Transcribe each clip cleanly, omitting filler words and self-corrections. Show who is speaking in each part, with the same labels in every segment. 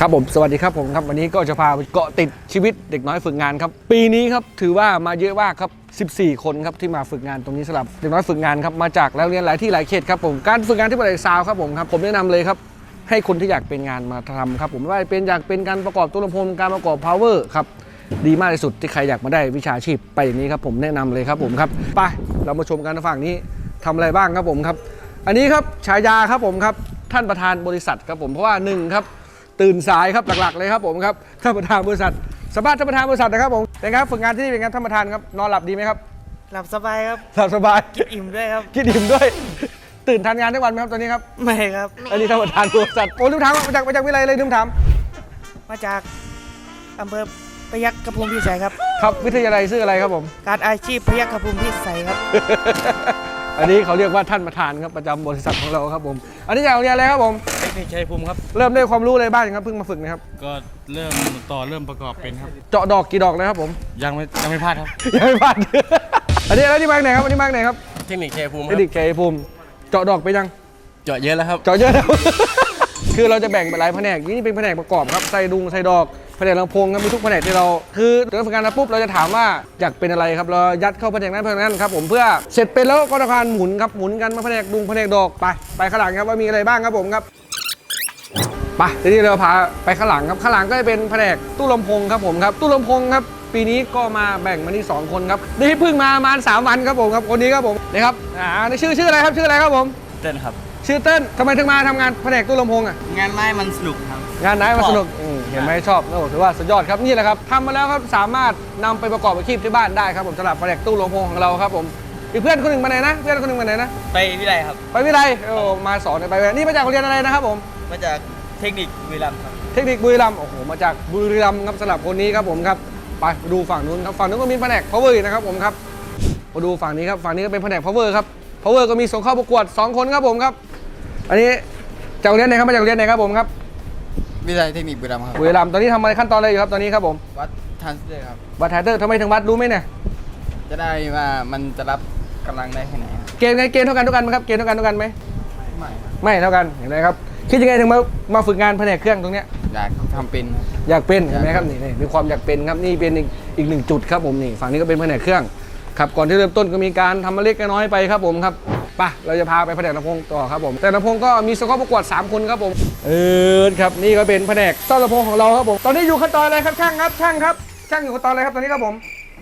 Speaker 1: ครับผมสวัสดีครับผมครับวันนี้ก็จะพาไปเกาะติดชีวิตเด็กน้อยฝึกงานครับปีนี้ครับถือว่ามาเยอะมากครับ14 คนครับที่มาฝึกงานตรงนี้สำหรับเด็กน้อยฝึกงานครับมาจากแล้วเรียนหลายที่หลายเขตครับผมการฝึกงานที่บริษัทซาวครับผมแนะนำเลยครับให้คนที่อยากเป็นงานมาทำครับผมไม่ว่าเป็นอยากเป็นการประกอบตู้ลำโพงการประกอบ power ครับดีมากที่สุดที่ใครอยากมาได้วิชาชีพไปอย่างนี้ครับผมแนะนำเลยครับผมครับไปเรามาชมกันฝั่งนี้ทำอะไรบ้างครับผมครับอันนี้ครับฉายาครับผมครับท่านประธานบริษัทครับผมเพราะว่า1ครับตื่นสายครับหลักๆเลยครับผมครับท่านประธานบริษัทสัมภาษณ์ท่านประธานบริษัทนะครับผมเป็นครับฝึกงานที่นี่เป็นไงท่านประธานครับนอนหลับดีไหมครับ
Speaker 2: หลับสบายครับ
Speaker 1: หลับสบาย
Speaker 2: กินอิ่มด้วยครับ
Speaker 1: กินอิ่มด้วยตื่นทันงานทุกวันไหมครับตอนนี้ครับ
Speaker 2: ไม่ครับ
Speaker 1: อันนี้ท่านประธานบริษัทโอ้ลืมถามมาจากวิทยาลัยเลยลืมถาม
Speaker 2: มาจากอำเภอพยัคฆภูมิพิสัยครับ
Speaker 1: ครับวิทยาลัยชื่ออะไรครับผม
Speaker 2: การอาชีพพยัคฆภูมิพิสัยครับ
Speaker 1: อันนี้เขาเรียกว่าท่านประธานครับประจำบริษัทของเราครับผมอันนี้จากโรงเรียนอะไรครับผม
Speaker 3: เทคนิคชัยภูมิครับ
Speaker 1: เริ่มได้ความรู้อะไรบ้างครับเพิ่งมาฝึกนะครับ
Speaker 3: ก็เริ่มประกอบเป็นครับ
Speaker 1: เจาะดอกกี่ดอกเลยครับผม
Speaker 3: ยังไม่พลาดครับ
Speaker 1: ยังไม่พลาด อันนี้แล้วนี่มาจากไหนครับอันนี้มาจากไหนครับ
Speaker 3: เทคนิคชัยภูมิค
Speaker 1: เท
Speaker 3: รั
Speaker 1: ค
Speaker 3: บ
Speaker 1: นิคเคภูมิเจาะดอกไปยัง
Speaker 3: เจาะเยอะแล้วครับ
Speaker 1: เจาะเยอะแล้ว คือเราจะแบ่งเป็นหลายแผนกนี่เป็นแผนกประกอบครับใส่ดุงใส่ดอกแผนกลำโพงครับมีทุกแผนกที่เราคือเรื่องฝึกงานมาปุ๊บเราจะถามว่าอยากเป็นอะไรครับเรายัดเข้าแผนกนั้นแผนกนั้นครับผมเพื่อเสร็จเป็นแล้วก็ทำการหมุนครับหมุนกันมาแผนกดุงแผนกดอกไปข้างหลังครับว่ามีอะไรบ้างครับผมครับไปทีนี้เราพาไปข้างหลังครับข้างหลังก็จะเป็นแผนกตู้ลำโพงครับผมครับตู้ลำโพงครับปีนี้ก็มาแบ่งมาที่2คนครับนี่เพิ่งมาประมาณ3 วันครับผมครับคนนี้ครับผมนี่ครับนี่ชื่ออะไรครับชื่ออะไรครับผม
Speaker 3: เต้นครับ
Speaker 1: ชื่อเต้นทำไมถึงมาทำงานแผนกตู้ลำโพงอ่ะ
Speaker 3: งานไม้มันสนุกครับ
Speaker 1: งานไหนมาสนุกเห็นไหมชอบโอ้ถือว่าสุดยอดครับนี่แหละครับทำมาแล้วครับสามารถนำไปประกอบอาชีพที่บ้านได้ครับผมสำหรับแผนกตู้ลำโพงของเราครับผมอีกเพื่อนคนหนึ่งมาไหนนะเพื่อนคนหนึ่งมาไหนนะ
Speaker 3: ไปวิไลครับ
Speaker 1: ไปวิไลโอ้มาสอนไปวิไลนี่มาจากโรงเรียนอะไรนะครับผม
Speaker 3: มาจากเทคนิคบุรีรัมย์ครับ
Speaker 1: เทคนิคบุรีรัมย์โอ้โหมาจากบุรีรัมย์ครับสำหรับคนนี้ครับผมครับไปดูฝั่งนู้นครับฝั่งนู้นก็มีแผนก power นะครับผมครับมาดูฝั่งนี้ครับฝั่งนี้ก็เป็นแผนก power ครับ power ก็มีส่งเข้าประกวด2 คนครับผมครับอันนี้จากโรงเรียนไหนครับมาจากโรงเรียนไหนครับผมครับ
Speaker 3: วิไลเทคนิคบุรีรัมย์ครับ
Speaker 1: บุรีรัมย์ตอนนี้ทำอะไรขั้นตอนอะไรอยู่ครับตอนนี้ครับผม
Speaker 3: วัดทรานซิสเตอร์ครับ
Speaker 1: วัดไทเตอร์ทำไมถึงวัดรู้ไหมเนี่ย
Speaker 3: จะได้ว่ามันจะรับกำลังได้แค่ไหนครับ
Speaker 1: เกณฑ์ไงเกณฑ์เท่ากันทุกกันไหมครับเกณฑ์เท่ากันทุกกันไหม
Speaker 3: ไม่ครับ
Speaker 1: ไม่เท่ากันเห็นไหมครับคิดยังไงถึงมาฝึกงานแผนกเครื่องตรงเนี้ย
Speaker 3: อยากทำเป็นครับ
Speaker 1: อยากเป็นเห็นไหมครับนี่มีความอยากเป็นครับนี่เป็นอีก1 จุดครับผมนี่ฝั่งนี้ก็เป็นแผนกเครื่องครับก่อนที่เริ่มต้นก็มีการทำมาเล็กน้อยไปครับผมครับไปเราจะพาไปแผนกลำโพงต่อครับผมแต่ลำโพงก็มีส่งเข้าประกวด3 คนครับผมครับนี่ก็เป็นแผนกซ่อมลำโพงของเราครับผมตอนนี้อยู่ขั้นตอนอะไรครับช่างครับช่างอยู่ขั้นตอนอะไรครับตอนนี้ครับผม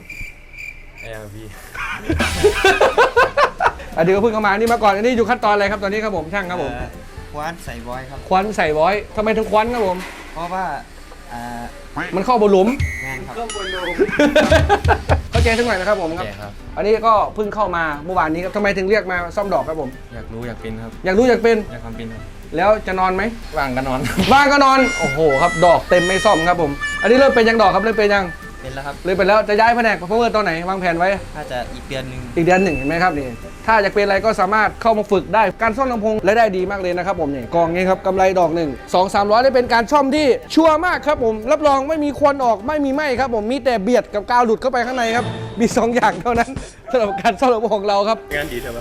Speaker 3: ARV
Speaker 1: อันนี้ก็เพิ่งเข้ามานี่มาก่อนอันนี้อยู่ขั้นตอนอะไรครับตอนนี้ครับผมช่างครับผม
Speaker 3: คว้านใส่บอยครับ
Speaker 1: ควันใส่บอยทำไมถึงควันครับผม
Speaker 3: เพราะว่า
Speaker 1: มันเข้าบนหลุม
Speaker 3: งานครับ
Speaker 1: เข้าใจสักหน่อยนะครับผมครับ
Speaker 3: แก่ครับ
Speaker 1: อันนี้ก็เพิ่งเข้ามาเมื่อวานนี้ครับทำไมถึงเรียกมาซ่อมดอกครับผม
Speaker 3: อยากรู้อยากเป็นครับ
Speaker 1: อยากรู้อยากเป็น
Speaker 3: อยากทำเป็นครับ
Speaker 1: แล้วจะนอนไหม
Speaker 3: ว่างก็นอน
Speaker 1: บ้านก็นอน โอ้โหครับดอกเต็มไม่ซ่อมครับผม อันนี้เริ่มเป็นยังดอกครับเริ่มเป็นยัง
Speaker 3: เป็นแล้วครับ
Speaker 1: เลยเป็นแล้วจะย้ายแผนกเพราะว่าตอนไหนวางแผนไว้
Speaker 3: ถ้าจะอีกเดือนหนึ่ง
Speaker 1: อีกเดือนหนึ่งเห็นไหมครับนี่ถ้าอยากเป็นอะไรก็สามารถเข้ามาฝึกได้การซ่อมลำโพงและได้ดีมากเลยนะครับผมนี่กองนี้ครับกำไรดอกหนึ่ง200-300ได้เป็นการซ่อมที่ชัวร์มากครับผมรับรองไม่มีควันออกไม่มีไหม้ครับผมมีแต่เบียดกับกาวหลุดเข้าไปข้างในครับมี2 อย่างเท่านั้นสำหรับการซ่อมลำโพงของเราครับ
Speaker 3: งานดีเถอะ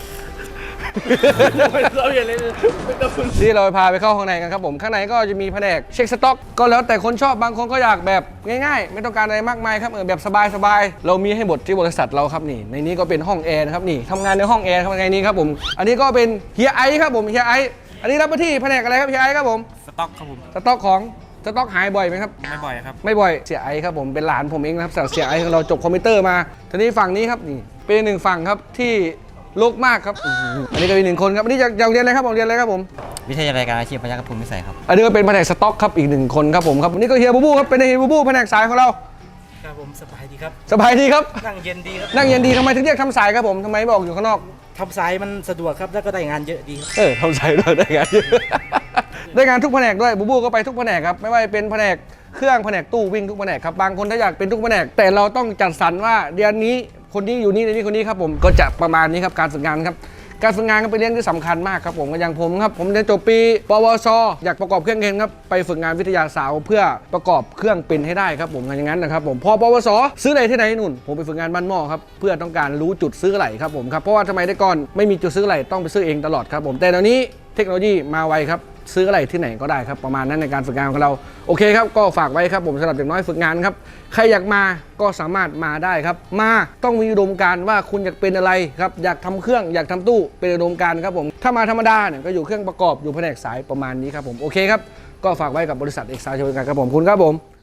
Speaker 1: ที่เราพาไปเข้าข้างในกันครับผมข้างในก็จะมีแผนกเช็คสต็อกก็แล้วแต่คนชอบบางคนก็อยากแบบง่ายๆ ไม่ต้องการอะไรมากมายครับแบบสบายๆเรามีให้หมดที่บริษัทเราครับนี่ในนี้ก็เป็นห้องแอร์นะครับนี่ทำงานในห้องแอร์ครับในนี้ครับผมอันนี้ก็เป็นเฮียไอซ์ครับผมเฮียไอซ์อันนี้รับหน้าที่แผนกอะไรครับเฮียไอซ์ครับผม
Speaker 3: สต็อกครับผม
Speaker 1: สต็อกของสต็อกหายบ่อยไหมครับ
Speaker 3: ไม่บ่อยครับ
Speaker 1: ไม่บ่อยเสียไอซ์ครับผมเป็นหลานผมเองนะครับเสียไอซ์ของเราจบคอมพิวเตอร์มาทีนี้ฝั่งนี้ครับนี่เป็น1 ฝั่งครับที่โลกมากครับอันนี้ก็เป็น1 คนครับอันนี้จากเรียนอะไรครับผมเรียนอะไรครับผม
Speaker 3: วิทยาลัยการอาชีพพยัคฆภูมิพิสัยครับ
Speaker 1: อันนี้ก็เป็นแผนกสต็อกครับอีก1 คนครับผมครับนี่ก็เฮียบูบูครับเป็นเฮียบูบูแผนกสายของเรา
Speaker 2: ครับผมสบายดีครับ
Speaker 1: สบายดีครับ
Speaker 2: นั่งเย็นดีครับ
Speaker 1: นั่งเย็นดีทำไมถึงเรียกทำสายครับผมทำไมไม่บอกอยู่ข้างนอก
Speaker 2: ทำสายมันสะดวกครับแล้วก็ได้งานเยอะดีครับ
Speaker 1: ทำสายด้วยได้งานเยอะ ได้งานทุกแผนกด้วยบูบูก็ไปทุกแผนกครับไม่ว่าจะเป็นแผนกเครื่องแผนกตู้วิ่งทุกแผนกครับบางคนถ้าอยากเป็นทุกแผนกแต่เราต้องจัดสรรว่าเดือนนี้คนนี้อยู่นี่เดือนนี้คนนี้ครับผมก็จะประมาณนี้ครับการฝึกงานครับการฝึกงานก็เป็นเรื่องที่สำคัญมากครับผมอย่างผมครับผมเรียนจบปีปวชอยากประกอบเครื่องเองครับไปฝึกงานวิทยาศาสตร์เพื่อประกอบเครื่องเป็นให้ได้ครับผมอย่างนั้นนะครับผมพอปวสซื้ออะไรที่ไหนนู่นผมไปฝึกงานบ้านหม้อครับเพื่อต้องการรู้จุดซื้อไหลครับผมครับเพราะว่าทำไมได้ก่อนไม่มีจุดซื้อไหลต้องไปซื้อเองตลอดครับผมแต่เดี๋ยวนี้เเทคโนโลยีมาไวครับซื้ออะไรที่ไหนก็ได้ครับประมาณนั้นในการฝึกงานของเราโอเคครับก็ฝากไว้ครับผมสำหรับเด็กน้อยฝึกงานครับใครอยากมาก็สามารถมาได้ครับมาต้องมีอุดมการณ์ว่าคุณอยากเป็นอะไรครับอยากทำเครื่องอยากทำตู้เป็นอุดมการณ์ครับผมถ้ามาธรรมดาเนี่ยก็อยู่เครื่องประกอบอยู่แผนกสายประมาณนี้ครับผมโอเคครับก็ฝากไว้กับบริษัทเอกซาวจำกัดครับผมคุณครับผม